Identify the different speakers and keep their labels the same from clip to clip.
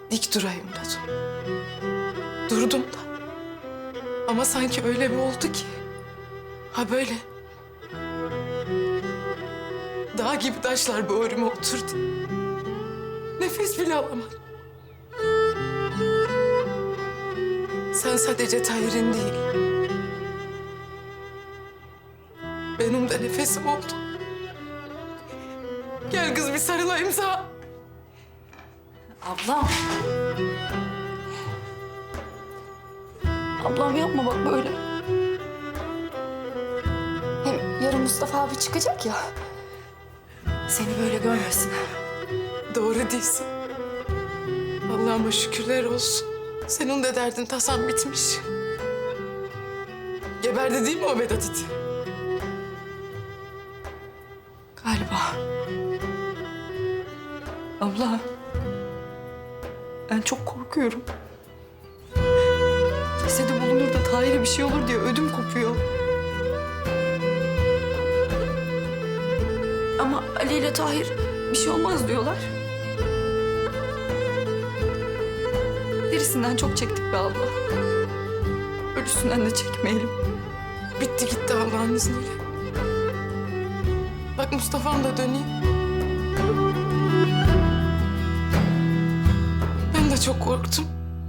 Speaker 1: dik durayım dedim. Durdum da. Ama sanki öyle bir oldu ki. Ha böyle. Dağ gibi taşlar böğrüme oturdu. Nefes bile alamadım. Sen sadece Tahir'in değil. Benim de nefesim oldu. Gel kız bir sarılayım sana.
Speaker 2: Ablam. Ablam yapma bak böyle. Hem yarın Mustafa abi çıkacak ya. Seni böyle görmesin.
Speaker 1: Doğru değilsin. Allah'ıma şükürler olsun. Senin de derdin tasan bitmiş. Geberdi değil mi o Vedat iti?
Speaker 2: Galiba. Abla. Ben çok korkuyorum. Cesedi bulunur da Tahir'e bir şey olur diye ödüm kopuyor. Ama Ali ile Tahir bir şey olmaz diyorlar. Birisinden çok çektik be abla. Ölüsünden de çekmeyelim.
Speaker 1: Bitti gitti Allah'ın izniyle. Bak Mustafa'm da döneyim. Ben de çok korktum.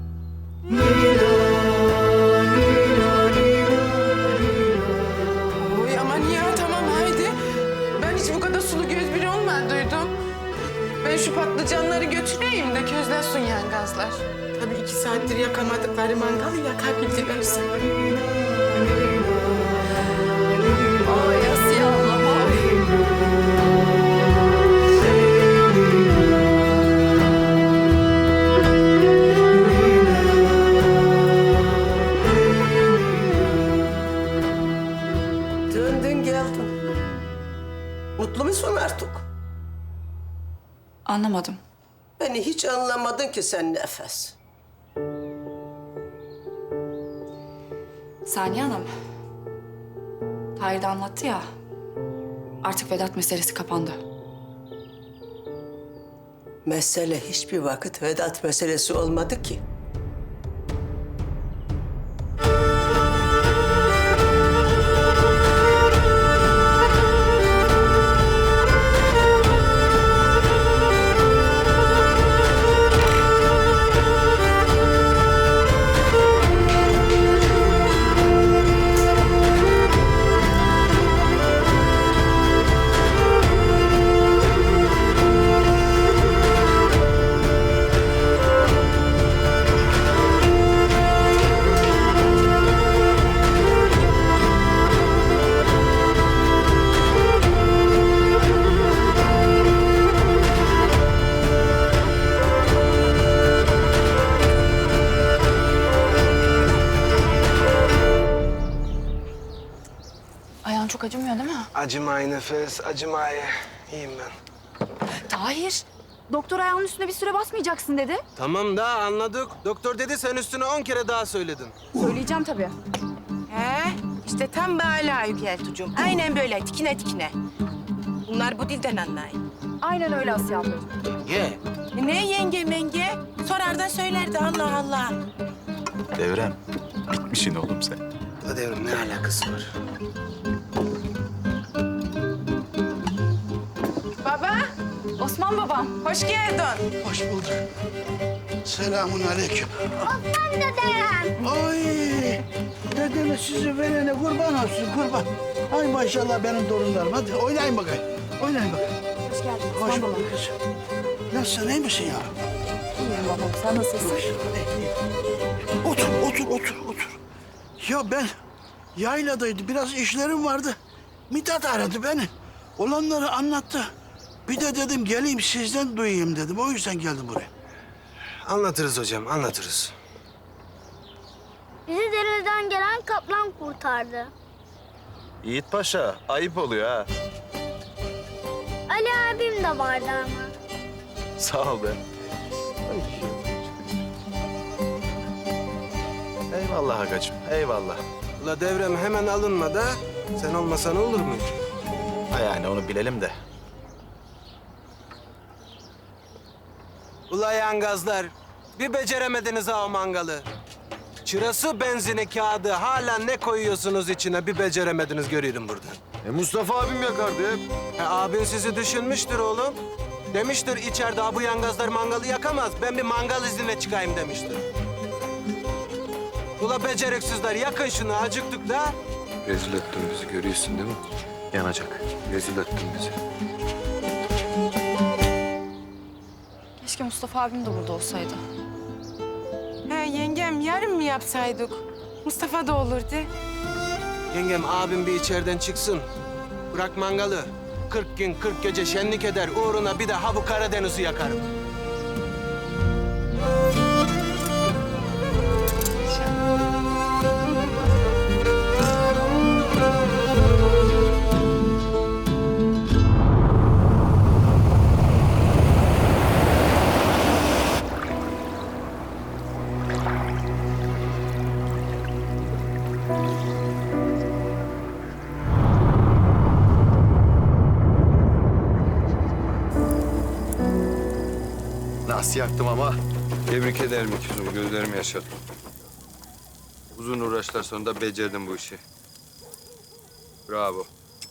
Speaker 1: Oy aman ya tamam haydi. Ben hiç bu kadar sulu göz biri olmadıydım. Ben şu patlıcanları götüreyim de közlensin yani gazlar. Tabii 2 saattir yakamadıkları mangalı yakabildilerse.
Speaker 2: Ay Asiye ablam ay.
Speaker 3: Döndün geldin. Mutlu musun artık?
Speaker 2: Anlamadım.
Speaker 3: Beni hiç anlamadın ki sen Nefes.
Speaker 2: Saniye Hanım. Tahir de anlattı ya. Artık Vedat meselesi kapandı.
Speaker 3: Mesele hiçbir vakit Vedat meselesi olmadı ki.
Speaker 2: Ayağın çok acımıyor değil mi?
Speaker 4: Acımay Nefes, acımay. İyiyim ben.
Speaker 2: Tahir, doktor ayağının üstüne bir süre basmayacaksın dedi.
Speaker 4: Tamam da anladık. Doktor dedi sen üstüne 10 kere daha söyledin.
Speaker 2: Söyleyeceğim tabii.
Speaker 5: He, işte tam böyle Yükeltucuğum. Aynen böyle, tikine tikine. Bunlar bu dilden anlayın.
Speaker 2: Aynen öyle Asiye ablacığım.
Speaker 4: Ye.
Speaker 5: Ne yenge menge? Sorar da söylerdi Allah Allah.
Speaker 6: Devrem, bitmişsin oğlum sen.
Speaker 4: La devrim ne alakası var?
Speaker 5: Baba,
Speaker 2: Osman babam.
Speaker 5: hoş geldin.
Speaker 7: Hoş bulduk. Selamun aleyküm. Osman dedem. Ay, dedeme sizi verene kurban olsun kurban. Ay maşallah benim torunlarım. Hadi oynayın bakayım. Oynayın bakayım.
Speaker 2: Hoş geldin
Speaker 7: Hoş
Speaker 2: Osman babam.
Speaker 7: bulduk kızım. Nasılsın, iyi misin ya?
Speaker 2: İyiyim babam, sen nasılsın?
Speaker 7: Otur. Ya ben yayladaydım. Biraz işlerim vardı. Mithat aradı beni. Olanları anlattı. Bir de dedim geleyim sizden duyayım dedim. O yüzden geldim buraya.
Speaker 4: Anlatırız hocam, anlatırız.
Speaker 8: Bizi dereden gelen kaplan kurtardı.
Speaker 6: Yiğit Paşa, ayıp oluyor ha.
Speaker 8: Ali abim de vardı ama.
Speaker 6: Sağ ol be. Eyvallah Agacığım, eyvallah.
Speaker 4: La devrem hemen alınma da sen olmasan olur mu?
Speaker 6: Ha yani onu bilelim de.
Speaker 4: Ula yangazlar, Bir beceremediniz ha o mangalı. Çırası, benzini, kağıdı hala ne koyuyorsunuz içine bir beceremediniz görüyorum buradan.
Speaker 9: Mustafa abim yakardı hep.
Speaker 4: Abin sizi düşünmüştür oğlum. Demiştir içeride bu yangazlar mangalı yakamaz. Ben bir mangal iznine çıkayım demiştir. Ula beceriksizler yakın şunu acıktık da.
Speaker 9: Rezil ettin bizi görüyorsun değil mi? Yanacak. Rezil ettin bizi.
Speaker 2: Keşke Mustafa abim de burada olsaydı.
Speaker 5: He yengem yarın mı yapsaydık? Mustafa da olurdu.
Speaker 4: Yengem abim bir içeriden çıksın. Bırak mangalı. 40 gün 40 gece şenlik eder. Uğruna bir de ha bu Karadeniz'i yakarım.
Speaker 9: Nasıl yaktım ama? Tebrik ederim ikizim. Gözlerimi yaşattın. Uzun uğraşlar sonunda becerdin bu işi. Bravo.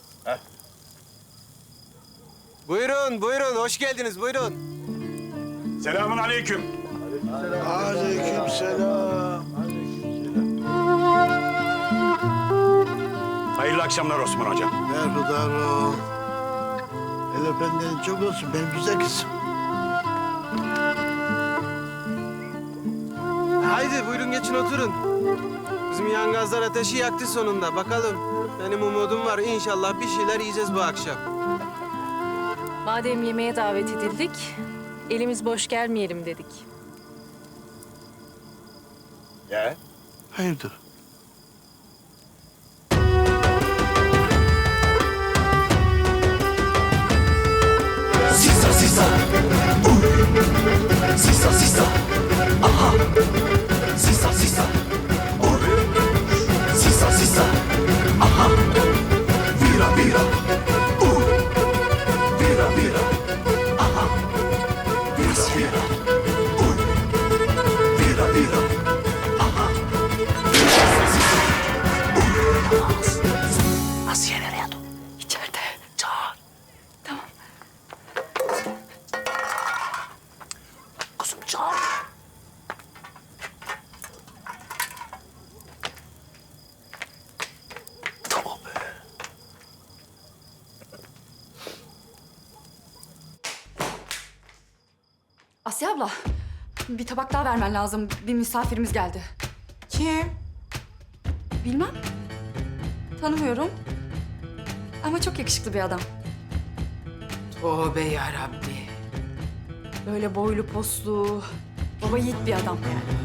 Speaker 4: Buyurun, buyurun. Hoş geldiniz. Buyurun.
Speaker 10: Selamun aleyküm.
Speaker 7: Aleykümselam.
Speaker 10: Hayırlı akşamlar Osman Hocam.
Speaker 7: Berhudar ol. El öpenden çok olsun benim güzel kızım.
Speaker 4: Haydi buyurun geçin oturun. Bizim yangazlar ateşi yaktı sonunda. Bakalım. Benim umudum var. İnşallah bir şeyler yiyeceğiz bu akşam.
Speaker 11: Madem yemeğe davet edildik, elimiz boş gelmeyelim dedik.
Speaker 10: Ya?
Speaker 7: Hayırdır?
Speaker 12: Sisa sisa, sisa sisa, aha. Sisa sisa, sisa sisa, aha. Vira vira, vira vira, aha. Vira vira, vira vira, aha. Asiye nereye dur?
Speaker 2: İçeride.
Speaker 12: Çağır.
Speaker 2: Tamam.
Speaker 12: Kızım çağır. Tamam be.
Speaker 2: Asya abla, bir tabak daha vermen lazım. Bir misafirimiz geldi.
Speaker 5: Kim?
Speaker 2: Bilmem. Tanımıyorum. Ama çok yakışıklı bir adam.
Speaker 5: Tövbe yarabbi.
Speaker 2: Böyle boylu poslu, baba yiğit bir adam.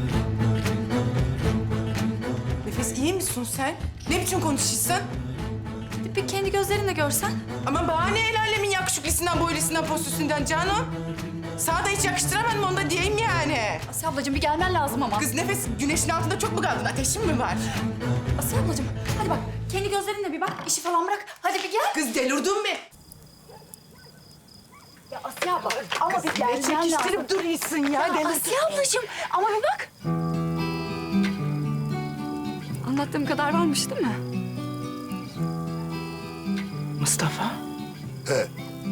Speaker 5: Nefes iyi misin sen? Ne biçim konuşuyorsun?
Speaker 2: Bir kendi gözlerinle görsen.
Speaker 5: Ama bana ne el alemin yakışıklısından, boylusundan, poslusundan canım? Sana da hiç yakıştıramadım onu da diyeyim yani.
Speaker 2: Asya ablacığım bir gelmen lazım ama.
Speaker 5: Kız Nefes güneşin altında çok mu kaldın? Ateşin mi var?
Speaker 2: Asya ablacığım hadi bak kendi gözlerinle bir bak. İşi falan bırak. Hadi bir gel.
Speaker 5: Kız delirdin mi?
Speaker 2: Ya Asya abla ama bir
Speaker 5: Ne
Speaker 2: gelmen lazım.
Speaker 5: çekiştirip duruyorsun ya?
Speaker 2: Ya Asya ablacığım ama bir bak. Anlattığım kadar varmış değil mi?
Speaker 5: Mustafa?
Speaker 7: He.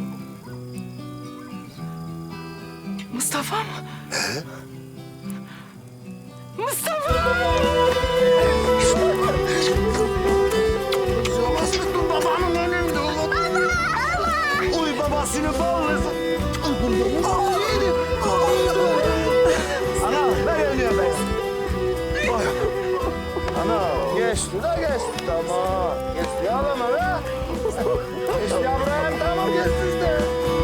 Speaker 5: Mustafa mı? Mustafa!
Speaker 7: Babasının babanın önünde oğlum. Uy babasını bağlasın. Ana ben ölüyorum ben. Oy. Ana geçti de geçti tamam. Geçti ağlama be. Geçti yavrum tamam geçti işte.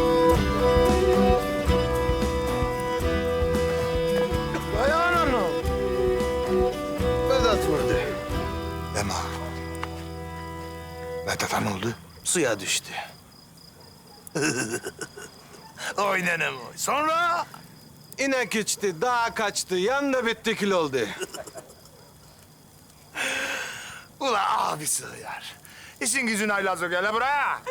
Speaker 7: Dayan onu. Vedat vurdu. Deme. Vedat'a ne oldu?
Speaker 4: Suya düştü.
Speaker 7: Oy nenem oy. Sonra?
Speaker 4: İnek içti, dağa kaçtı, yandı bitti kül oldu.
Speaker 7: Ula abisi hıyar. İşin gücün haylaz o gele buraya.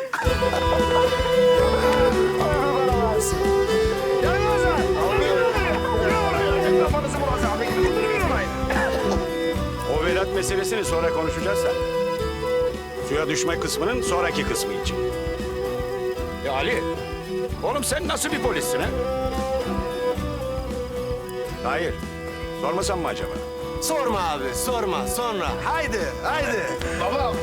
Speaker 7: Gel lan sen. Gel oraya.
Speaker 10: meselesini sonra konuşacağız seninle. Suya düşme kısmının sonraki kısmı için. Ali, oğlum sen nasıl bir polissin ha? Hayır, sormasam mı acaba?
Speaker 4: Sorma abi, sorma. Sonra. Haydi, haydi.
Speaker 7: Baba